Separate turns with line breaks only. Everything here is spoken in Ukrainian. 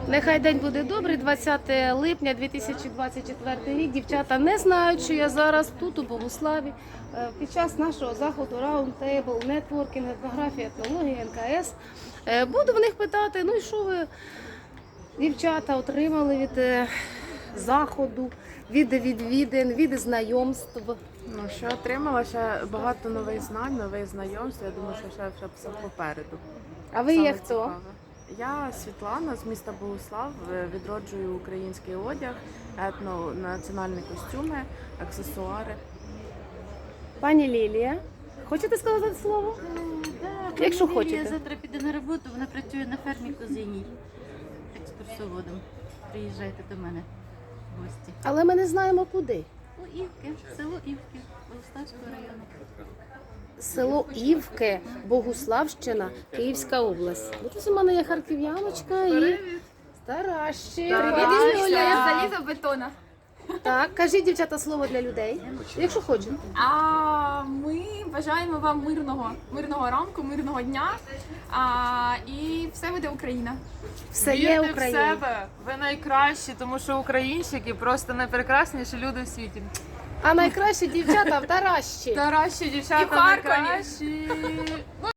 Нехай день буде добрий, 20 липня 2024 рік. Дівчата не знають, що я зараз тут, у Богуславі, під час нашого заходу Roundtable, нетворкінг, етнографія, етнологія, НКС. Буду в них питати, ну і що ви, дівчата, отримали від заходу, від відвідин, від знайомств?
Ну, що отримала ще багато нових знань, нових знайомств. Я думаю, що ще все попереду.
А ви
Саме
є хто?
цікаве. Я Світлана з міста Богуслав, відроджую український одяг, етнонаціональні костюми, аксесуари.
Пані Лілія, хочете сказати слово? Якщо хочете.
Я завтра піду на роботу, вона працює на фермі Козиній екскурсоводом. Приїжджайте до мене в гості.
Але ми не знаємо куди.
У Івки, село Івки, Богуславського району.
Село Івки, Богуславщина, Київська область. Ось у мене є харків'яночка і Таращик.
Залізобетона.
Так, кажіть, дівчата, слово для людей, якщо хочете.
А ми бажаємо вам мирного ранку, мирного дня. І все буде Україна.
Все є
Вірте в
Україна.
себе, ви найкращі, тому що українчики просто найпрекрасніші люди в світі.
А найкращі дівчата в Таращі.
Таращі
І
дівчата
в Харкові.
найкращі.